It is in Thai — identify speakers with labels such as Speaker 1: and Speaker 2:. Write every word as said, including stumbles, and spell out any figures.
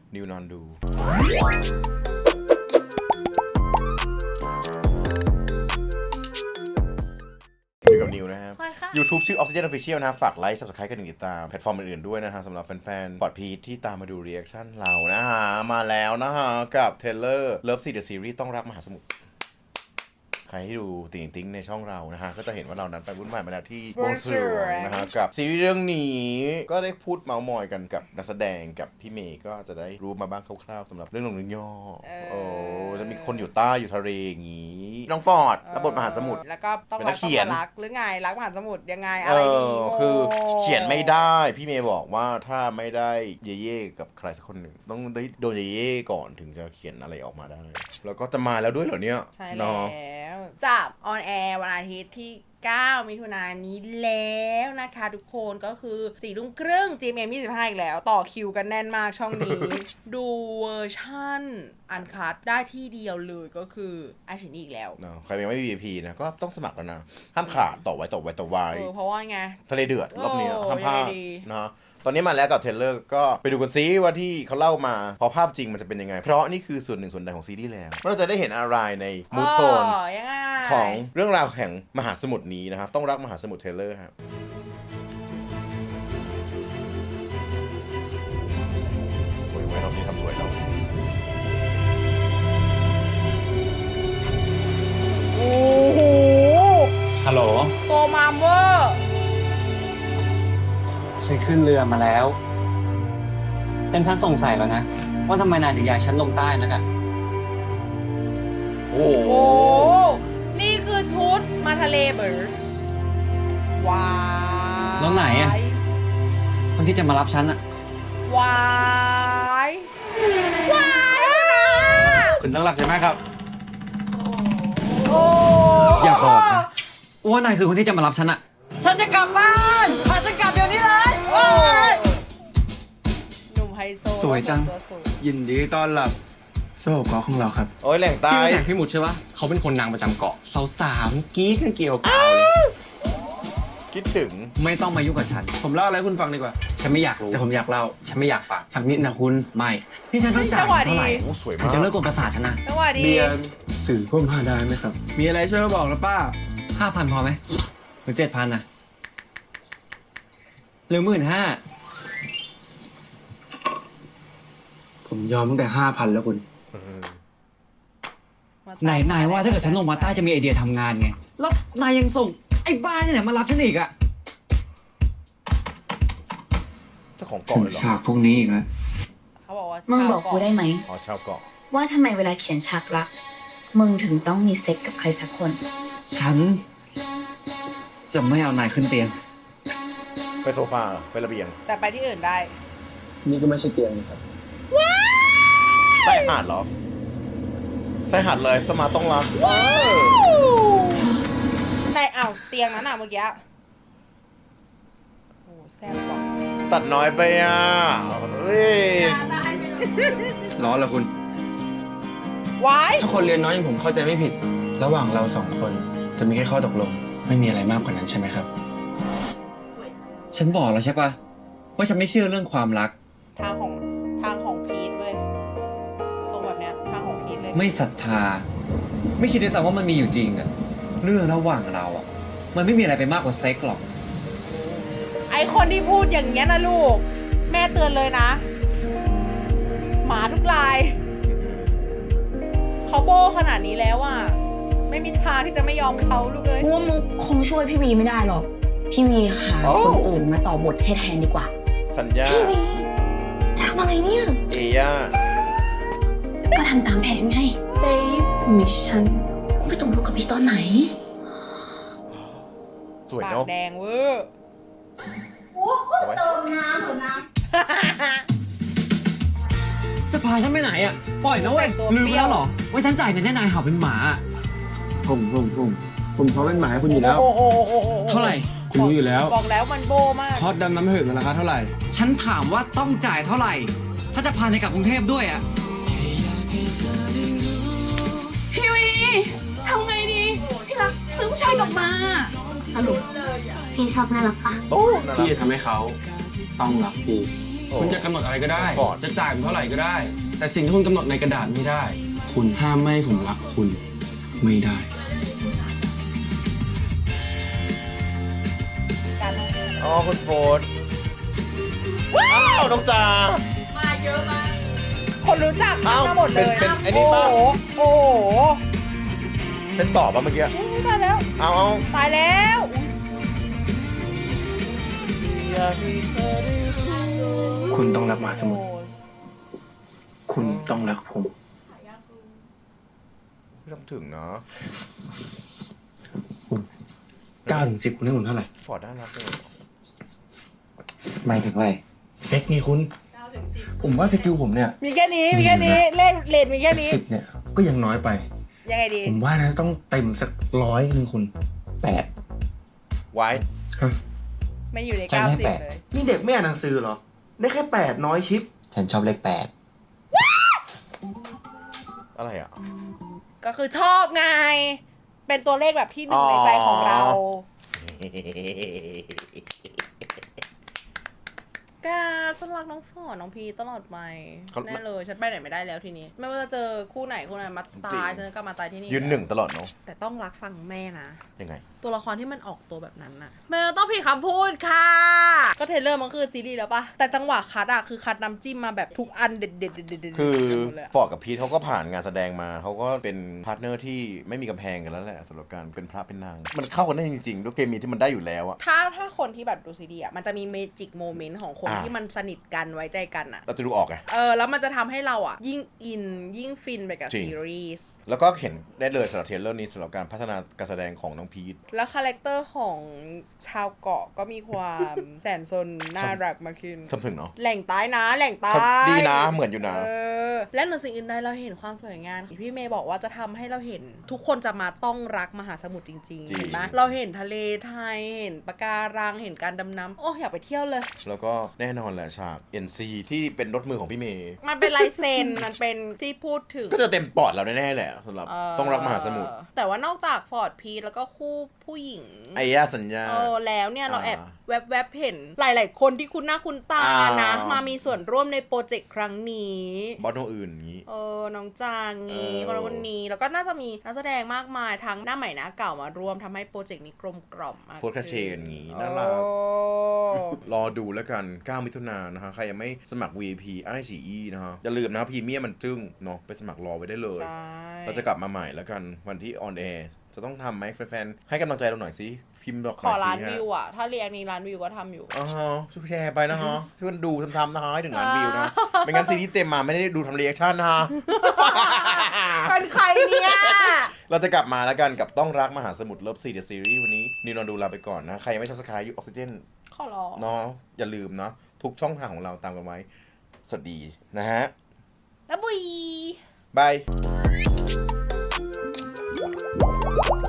Speaker 1: นิวนอนดูอยู่กับนิวนะครับ YouTube ชื่อ Oxygen Official นะครับฝากไลค์ Subscribe กันติดตามแพลตฟอร์มอื่นๆด้วยนะฮะสำหรับแฟนๆปอดพีทที่ตามมาดูรีแอคชั่นเรานะฮะมาแล้วนะฮะกับเทเลอร์ Love Sea The Series ต้องรักมหาสมุทรใครที่ดูติ่งติ้งในช่องเรานะฮะก็จะเห็นว่าเรานั้นไปวุ่นวายมาแล้วที่บวงสรวงนะฮะกับซีรีส์เรื่องนี้ก็ได้พูดเมาส์มอยกันกับนักแสดงกับพี่เมย์ก็จะได้รู้มาบ้างคร่าวๆสำหรับเรื่องลงเรื่องย่อโอ้จะมีคนอยู่ใต้อยู่ทะเลอย่างนี้น้องฟอร์ดรับบทมหาสมุทร
Speaker 2: แล้วก็ต้อง
Speaker 1: รักเขียน
Speaker 2: รักหรือไงรักมหาสมุทรยังไงอะ
Speaker 1: เอ
Speaker 2: ไรดี
Speaker 1: อคือเขียนไม่ได้พี่เมย์บอกว่าถ้าไม่ได้เย่เย่กับใครสักคนหนึ่งต้องได้โดนเย่เย่ก่อนถึงจะเขียนอะไรออกมาได้แล้วก็จะมาแล้วด้วยเหรอเนี่ย
Speaker 2: ใช่แล้วจับออนแอร์วันอาทิตย์ที่เก้ามิถุนายนนี้แล้วนะคะทุกคนก็คือสี่ทุ่มครึ่ง จี เอ็ม เอ็ม ยี่สิบห้าอีกแล้วต่อคิวกันแน่นมากช่องนี้ ดูเวอร์ชั่นอันคัทได้ที่เดียวเลยก็คือไอชินี่อีกแล้ว
Speaker 1: เนาะใครยังไม่มี วี ไอ พี นะก็ต้องสมัครแล้วนะห้ามขาดต่อไว้ต่อไว้ต่อไว้
Speaker 2: เออเพราะว่าไง
Speaker 1: ทะเลเดือดรอบนี้ห้ามพลาดนะตอนนี้มาแล้วกับเทรลเลอร์ก็ไปดูกันซิว่าที่เขาเล่ามาพอภาพจริงมันจะเป็นยังไงเพราะนี่คือส่วนหนึ่งส่วนใดของซีรีส์แล้วเราจะได้เห็นอะไรในมูทโทนของเรื่องราวแห่งมหาสมุทรนี้นะครับต้องรักมหาสมุทรเทรลเลอร์ครับสวยไว้รอบนี้ทำสวยแล้ว
Speaker 2: โอ้โห
Speaker 3: ฮัลโหล
Speaker 2: โตมามเวอร์
Speaker 3: ฉันขึ้นเรือมาแล้วฉันฉันสงสัยแล้วนะว่าทำไมนายถึงย้ายฉันลงใต้นักอะ
Speaker 1: โอ้โห
Speaker 2: นี่คือชุดมาทะเลเบอร์ว้า
Speaker 3: แล้วไหนอะคนที่จะมารับฉันอะ
Speaker 2: ว้ายวาย
Speaker 3: คุณต้องรับใช่ไหมครับอย่าบอกนะว่านายคือคนที่จะมารับฉันอะฉันจะกลับบ้านพาฉันกลับเดี๋ยวนี้เลย
Speaker 2: หนุ่มไฮโซ
Speaker 3: สวยจังยินดีต้อนรับโซ่เกาะของเราครับ
Speaker 1: โอ้ยแหล่งใต้
Speaker 3: พี่แหล่งพี่หมุดใช่ปะเขาเป็นคนนางประจำเกาะสาวๆกี้กันเกี่ยวกับเลย
Speaker 1: คิดถึง
Speaker 3: ไม่ต้องมายุ่งกับฉันผมเล่าอะไรคุณฟังดีกว่าฉันไม่อยากรู้แต่ผมอยากเล่าฉันไม่อยากฟังฟังนิดนะคุณไม่ที่ฉันต้องจ่ายเท่าไหร่ถึงจะเลิกกดประสาทฉันนะ
Speaker 2: เบียร์
Speaker 3: สื่อพ่มพาได้ไหมครับมีอะไรช่วยบอกนะป้าห้าพันพอไหมหรือเจ็ดพันนะหรือหมื่นห้าผมยอมตั้งแต่ห้าพันแล้วคุณไหนนายว่าถ้าเกิดฉันลงมาใต้จะมีไอเดียทำงานไงแล้วนายยังส่งไอ้บ้าเนี่ยมารับฉันอีกอะ
Speaker 1: เจ้าของเกาะเลยเหรอ
Speaker 3: ฉากพวกนี้อีกแล้ว
Speaker 2: เขาบอกว่า
Speaker 4: มึงบอกกูได้ไหม
Speaker 1: อ๋อชาวเกาะ
Speaker 4: ว่าทำไมเวลาเขียนฉากรักมึงถึงต้องมีเซ็กกับใครสักคน
Speaker 3: ฉันจะไม่เอานายขึ้นเตียง
Speaker 1: ไปโซฟาไประเบียง
Speaker 2: แต่ไปที่อื่นได้
Speaker 3: นี่ก็ไม่ใช่เตียงนะครับ
Speaker 1: ใส่หาดเหรอใส่หาดเลยสมาต้องรัก
Speaker 2: ในอ่าวเตียงนั้นอ่ะเมื่อกี้โอ้แซ่บว่ะ
Speaker 1: ตัดน้อยไปอ่ะเฮ้ย
Speaker 3: ร้อนเหรอคุณ
Speaker 2: ว้าย
Speaker 3: ถ้าคนเรียนน้อยอย่างผมเข้าใจไม่ผิดระหว่างเราสองคนจะมีแค่ข้อตกลงไม่มีอะไรมากกว่านั้นใช่ไหมครับฉันบอกแล้วใช่ปะว่าฉันไม่เชื่อเรื่องความรัก
Speaker 2: ทางของทางของพีทเว้ยทรงแบบเนี้ยทางของพีทเลย
Speaker 3: ไม่ศรัทธาไม่คิดด้วยซ้ำว่ามันมีอยู่จริงอะเรื่องระหว่างเราอะมันไม่มีอะไรไปมากกว่าเซ็กหรอก
Speaker 2: ไอคนที่พูดอย่างเงี้ยนะลูกแม่เตือนเลยนะหมาทุกลายเขาโบขนาดนี้แล้วอะไม่มีทางที่จะไม่ยอมเขาลูกเลย
Speaker 4: ว่ามึงคงช่วยพี่วีไม่ได้หรอกพี่วีหาคนอื่นมาต่อบทให้แทนดีกว่า
Speaker 1: สัญญา
Speaker 4: พี่วีทำอะไรเนี่ย
Speaker 1: เอย่า
Speaker 4: ก็ทำตามแผนไงเบฟมิชชั่นไปตกลงกับพี่ตอนไหน
Speaker 1: สวยเนาะ
Speaker 2: แดงเวอร์
Speaker 4: โอ้โหเติมน้ำเหรอน้
Speaker 3: ำจะพาฉันไปไหนอ่ะปล่อยนะเว้ยลืมไปแล้วหรอว่าฉันจ่ายเงินให้นายเห่าเป็นหมาผมผมผมผมเขาเป็นหมาให้คุณอยู่แล้วเท่าไหร่คุณรู้อยู่แล้ว
Speaker 2: บอกแล้วมันโบมาก
Speaker 3: ฮอตดำน้ำเหือดมันราคาเท่าไหร่ฉันถามว่าต้องจ่ายเท่าไหร่ถ้าจะพาในกลับกรุงเทพด้วยอ่ะ
Speaker 4: พี่วีทำไงดีพี่รักซื้อผู้ชายกลับมาสรุปพี่ชอบน่ารักปะ
Speaker 3: พี่จะทำให้เขาต้องรักพี่คุณจะกำหนดอะไรก็ได้
Speaker 1: ฟอร์ด
Speaker 3: จะจ่ายผมเท่าไหร่ก็ได้ แต่สิ่งที่คุณกำหนดในกระดาษไม่ได้ คุณห้ามไม่ให้ผมรักคุณไม่ได้
Speaker 2: การ
Speaker 1: อ๋อคุณโฟร์ดว้าวน้องจ๋า
Speaker 2: มาเยอะมากคนรู้จัก
Speaker 1: เอ้า
Speaker 2: มาหมดเลย
Speaker 1: เป็นเป็นไอ้นี่
Speaker 2: โอ้
Speaker 1: ปะ
Speaker 2: โหโอ้โห
Speaker 1: เป็นต่อป่ะเมื่อกี้
Speaker 2: อุ๊ยตายแล้ว
Speaker 1: เอาเอา
Speaker 2: ตายแล้วอุ๊ย
Speaker 3: คุณต้องรักมหาสมุทร คุณต้องรักผม
Speaker 1: ไม่ต้องถึงเนาะ
Speaker 3: คุณเก้าถึงสิบคุณให้ผมเท่าไหร่
Speaker 1: ฟอร์ดน่ารักเลย
Speaker 3: ไม่ถึงไรเซ็กนี่คุณ ผมว่าสกิลผมเนี่ย
Speaker 2: มีแค่นี้มีแค่นี้เลขเลทมีแค่นี้
Speaker 3: สิบเนี่ย ก็ยังน้อยไป
Speaker 2: ยังไงดี
Speaker 3: ผมว่านะต้องเต็มสักร้อยนึงคุณแปด
Speaker 1: ไว้
Speaker 3: ฮะ
Speaker 2: ไม่อยู่ใน
Speaker 3: ฉัน
Speaker 2: เก้า
Speaker 3: ให้
Speaker 2: สิบ
Speaker 3: แปด
Speaker 2: เลย
Speaker 3: นี่เด็กไม่อ่านหนังสือเหรอ ได้แค่แปดน้อยชิป ฉันชอบเลขแปด
Speaker 1: อะไรอ่ะ
Speaker 2: ก็คือชอบไง เป็นตัวเลขแบบที่หนึ่งในใจของเรากาฉันรักน้องฟอร์ดน้องพีตลอดไป
Speaker 1: เขา
Speaker 2: แน่เลยฉันไปไหนไม่ได้แล้วทีนี้ ไม่ว่าจะเจอคู่ไหนคู่ไหนมาตายฉันก็มาตายที่นี่
Speaker 1: ยืนหนึ่งตลอดเนาะ
Speaker 2: แต่ต้องรักฟังแม่นะ
Speaker 1: ยังไง
Speaker 2: ตัวละครที่มันออกตัวแบบนั้นน่ะมันต้องผิดคำพูดค่ะ ก็เทรลเลอร์มันคือซีรีส์แล้วปะแต่จังหวะคัดอะคือคัดน้ำจิ้มมาแบบทุกอันเด็ดเด็ดเด็ดเด็ดเด็ด
Speaker 1: คือ
Speaker 2: หมดเลยอะ
Speaker 1: ฟอร์ดกับพีทเขาก็ผ่านงานแสดงมาเขาก็เป็นพาร์ทเนอร์ที่ไม่มีกำแพงกันแล้วแหละสำหรับการเป็นพระเป็นนาง มันเข้ากันได้จริงๆด้วยเคมีที่มันได้อยู่แล้วอะ
Speaker 2: ถ้าถ้าคนที่แบบดูซีรีส์อะมันจะมีเมจิกโมเมนต์ของคน
Speaker 1: อ่า
Speaker 2: ที่มันสนิทกันไว้ใจกันอะ
Speaker 1: เราจะดูออกไง
Speaker 2: เออแล้วมันจะทำให้เราอะยิ่งอินยิ่งฟินไปกับ
Speaker 1: จริง
Speaker 2: ซีรีส์
Speaker 1: แล้วก็เห็นได้เลยสำหรับเทรลเลอร์นี้สำหรับการพัฒนาการแสดงของน้องพีท
Speaker 2: แล้วคาแรคเตอร์ของชาวเกาะก็มีความ แสนสนน่ารักมากขึ้น
Speaker 1: ทำถึงเนาะ
Speaker 2: แหล่งใต้นะแหล่งใต้
Speaker 1: ดีนะเหมือนอยู่นะ
Speaker 2: เออและเหนือสิ่งอื่นใดเราเห็นความสวยงามพี่เมย์บอกว่าจะทำให้เราเห็น ทุกคนจะมาต้องรักมหาสมุทรจริง
Speaker 1: จริง
Speaker 2: ๆเห็นไหมเราเห็นทะเลไทยเห็นปะการังเห็นการดำน้ำโอ้อยากไปเที่ยวเลย
Speaker 1: แล้วก็แน่นอนแหละฉาก เอ็น ซี ที่เป็นรถมือของพี่เมย์
Speaker 2: มันเป็นลายเซ็น มันเป็นที่พูดถึง
Speaker 1: ก็จะเต็มปอดเราแน่ๆแหละสำหรับ
Speaker 2: เ
Speaker 1: ต้องรักมหาสมุทร
Speaker 2: แต่ว่านอกจากฟอร์ดพีทแล้วก็คู่ผู้หญิง
Speaker 1: ไอ้ย่าสัญญา
Speaker 2: เออแล้วเนี่ยเรา
Speaker 1: อ่า
Speaker 2: แอบแวบๆเห็นหลายๆคนที่คุณหน้าคุณตา
Speaker 1: อ่าน
Speaker 2: นะ มามีส่วนร่วมในโปรเจกต์ครั้งนี้
Speaker 1: บอสโนอื่นอย่างนี้
Speaker 2: เออ น้องจางงี้
Speaker 1: เออ
Speaker 2: คนคนนี้ แล้วก็น่าจะมีนักแสดงมากมายทั้งหน้าใหม่หน้าเก่ามาร่วมทำให้โปรเจกต์นี้กลมกล่อมมาก
Speaker 1: โฟร์คาเชนอย่างนี้
Speaker 2: โอ้
Speaker 1: น่ารัก รอดูแล้วกัน เก้า มิถุนายนนะฮะ ใครยังไม่สมัคร วี ไอ พี ไอ ซี อี นะฮะ อย่าลืมนะพรีเมียมมันจึ้งเนาะ ไปสมัครรอไว้ได้เลย
Speaker 2: ใช่
Speaker 1: เราจะกลับมาใหม่แล้วกันวันที่ออนแอร์จะต้องทำไหมแฟนๆ ให้กำลังใจเราหน่อยสิ พิมพ์บอก
Speaker 2: ขอล้าน
Speaker 1: หยสิฮะ
Speaker 2: วิวอ่ะ ถ้าเรียกนี้ล้านวิวก็ทำอยู่
Speaker 1: อ๋อช่วยแชร์ไปนะฮะ ช่วยกันดูทำๆนะฮะให้ถึงล้านวิวนะ ไม่งั้นซีรีส์เต็มมาไม่ได้ดูทำเรีแอคชั่นนะฮะ
Speaker 2: เป็นใครเนี่ย
Speaker 1: เราจะกลับมาแล้วกันกับต้องรักมหาสมุทรเลิฟซีเดอะซีรีส์วันนี้นิวนอนดูลาไปก่อนนะ ใครยังไม่ซับสไครต์ยูออกซิเจน
Speaker 2: ขอร้อง
Speaker 1: เนาะอย่าลืมเนาะทุกช่องทางของเราตามกันไว้ สวัสดีนะฮะ
Speaker 2: แล้วบุย
Speaker 1: บาย